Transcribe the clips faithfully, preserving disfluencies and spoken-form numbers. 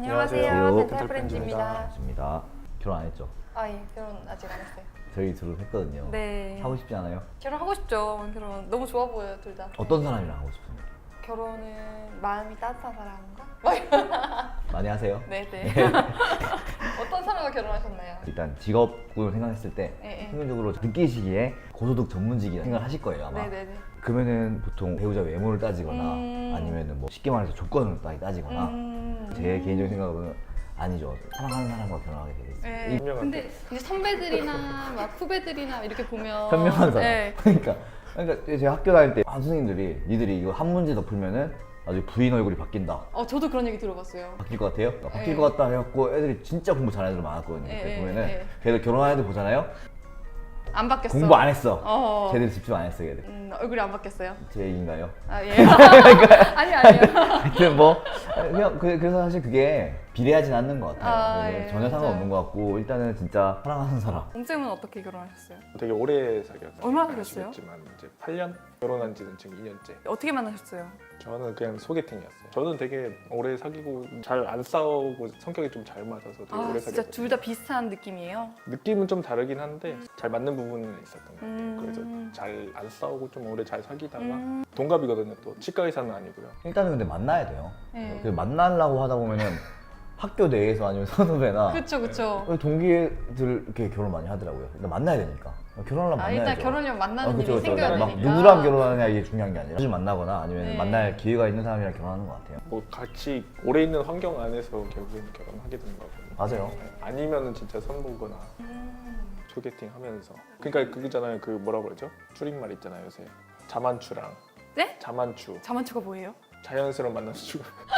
안녕하세요. 덴탈 프렌즈입니다. 반갑습니다. 결혼 안 했죠? 아, 예. 결혼 아직 안 했어요. 저희 둘은 했거든요. 네. 하고 싶지 않아요? 결혼하고 싶죠. 결혼 너무 좋아 보여요, 둘 다. 어떤 사람이랑 하고 싶은데? 결혼은 마음이 따뜻한 사람인가? 많이 하세요? 네네. 어떤 사람과 결혼하셨나요? 일단 직업군을 생각했을 때 네, 네. 평균적으로 느끼시기에 고소득 전문직이라 생각을 하실 거예요 아마. 네네네. 그러면은 보통 배우자 외모를 따지거나 음... 아니면은 뭐 쉽게 말해서 조건을 따- 따지거나 음... 제 개인적인 생각은 아니죠. 사랑하는 사람과 결혼하게 되겠어요. 네. 근데 이제 선배들이나 막 후배들이나 이렇게 보면 현명한 사람. 네. 그러니까 그러니까 제가 학교 다닐 때 선생님들이 니들이 이거 한 문제 더 풀면은 나중에 부인 얼굴이 바뀐다. 어, 저도 그런 얘기 들어봤어요. 바뀔 것 같아요? 바뀔 네. 것 같다 해갖고 애들이 진짜 공부 잘하는 애들 많았거든요. 네, 그때 네, 보면은 네. 걔들 결혼한 애들 보잖아요? 안 바뀌었어. 공부 안 했어. 어. 쟤들 집중 안 했어 걔들. 음, 얼굴이 안 바뀌었어요. 제 얘기인가요? 아, 예. 아니, 아니요. 하여튼 뭐 그냥 그- 그래서 사실 그게 비례하진 않는 것 같아요. 아, 그래서 예, 전혀 상관없는 맞아요. 것 같고 일단은 진짜 사랑하는 사람. 옹쌤은 어떻게 결혼하셨어요? 되게 오래 사귀었어요. 얼마나 사귀었어요? 아시겠지만 이제 팔 년? 결혼한 지는 지금 이 년째. 어떻게 만나셨어요? 저는 그냥 소개팅이었어요. 저는 되게 오래 사귀고 잘 안 싸우고 성격이 좀 잘 맞아서 되게 아, 오래 진짜 사귀었거든요. 둘 다 비슷한 느낌이에요? 느낌은 좀 다르긴 한데 잘 맞는 부분은 있었던 것 같아요. 음. 그래서 잘 안 싸우고 좀 오래 잘 사귀다가 음. 동갑이거든요. 또 치과 의사는 아니고요. 일단은 근데 만나야 돼요. 네. 그 만나려고 하다 보면은 학교 내에서 아니면 선후배나 그쵸, 그쵸. 동기들 이렇게 결혼 많이 하더라고요. 일단 만나야 되니까. 결혼하려면 아, 만나야죠. 일단 결혼이면 만나는 아, 그쵸, 일이 그쵸. 생겨야 막 되니까. 누구랑 결혼하냐 이게 중요한 게 아니라 자주 만나거나 아니면 네. 만날 기회가 있는 사람이랑 결혼하는 것 같아요. 뭐 같이 오래 있는 환경 안에서 결국엔 결혼하게 되는 거거든요. 맞아요. 아니면은 진짜 선보거나 음. 소개팅 하면서. 그러니까 그거잖아요. 그 뭐라고 그러죠? 줄임말 있잖아요. 요새 자만추랑 네? 자만추. 자만추가 뭐예요? 자연스러운 만남수.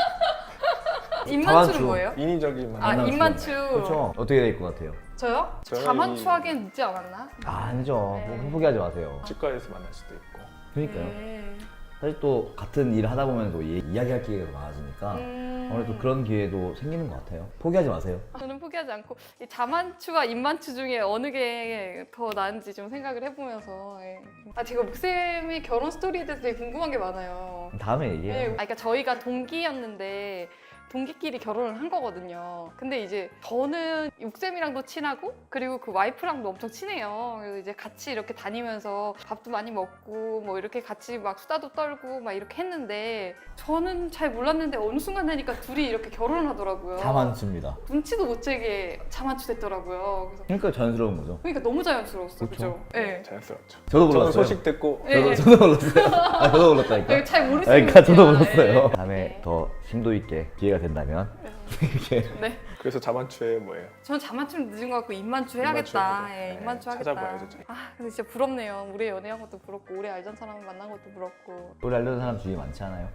입만추는 자만추. 뭐예요? 인위적인 아, 만남. 입만추. 그렇죠. 어떻게 될 것 같아요? 저요? 저는 자만추하기엔 늦지 않았나? 아, 아니죠. 네. 뭐 포기하지 마세요. 치과에서 만날 수도 있고. 그러니까요. 네. 사실 또 같은 일을 하다 보면 또 이- 이야기할 기회가 많아지니까 음. 아무래도 그런 기회도 생기는 것 같아요. 포기하지 마세요. 저는 포기하지 않고 이 자만추와 입만추 중에 어느 게 더 나은지 좀 생각을 해보면서 예. 아 제가 목쌤의 결혼 스토리에 대해서 되게 궁금한 게 많아요. 다음에 예. 얘기해요. 아, 그러니까 저희가 동기였는데 동기끼리 결혼을 한 거거든요. 근데 이제 저는 육쌤이랑도 친하고 그리고 그 와이프랑도 엄청 친해요. 그래서 이제 같이 이렇게 다니면서 밥도 많이 먹고 뭐 이렇게 같이 막 수다도 떨고 막 이렇게 했는데 저는 잘 몰랐는데 어느 순간 되니까 둘이 이렇게 결혼을 하더라고요. 자만추입니다. 눈치도 못 채게 자만추 됐더라고요. 그래서 그러니까 자연스러운 거죠. 그러니까 너무 자연스러웠어, 그쵸. 그죠? 네. 자연스럽죠. 저도 저는 몰랐어요. 소식 듣고 네. 저도, 저도 몰랐어요. 아, 저도 몰랐다니까. 네, 잘 모르시는 그러니까 저도 분이야. 몰랐어요. 네. 다음에 네. 더 심도 있게 기회가 된다면 이렇게 네. 그래서 자만추에 뭐예요? 저는 자만추는 늦은 것 같고 입만추 해야겠다. 입만추 예, 해보자. 입만추 네, 하겠다. 찾아봐야죠, 저희. 아, 근데 진짜 부럽네요. 오래 연애한 것도 부럽고 오래 알던 사람을 만난 것도 부럽고 우리 알려는 사람 주위에 많지 않아요?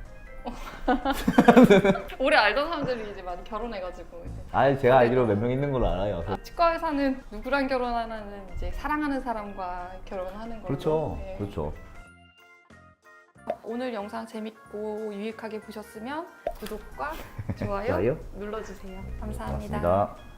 오래 알던 사람들이 이제 많이 결혼해가지고 이제. 아, 제가 알기로 몇 명 있는 걸로 알아요. 아, 치과 의사는 누구랑 결혼하냐는 이제 사랑하는 사람과 결혼하는 걸로. 그렇죠. 예. 그렇죠. 오늘 영상 재밌고 유익하게 보셨으면 구독과 좋아요, 좋아요? 눌러주세요. 감사합니다. 고맙습니다.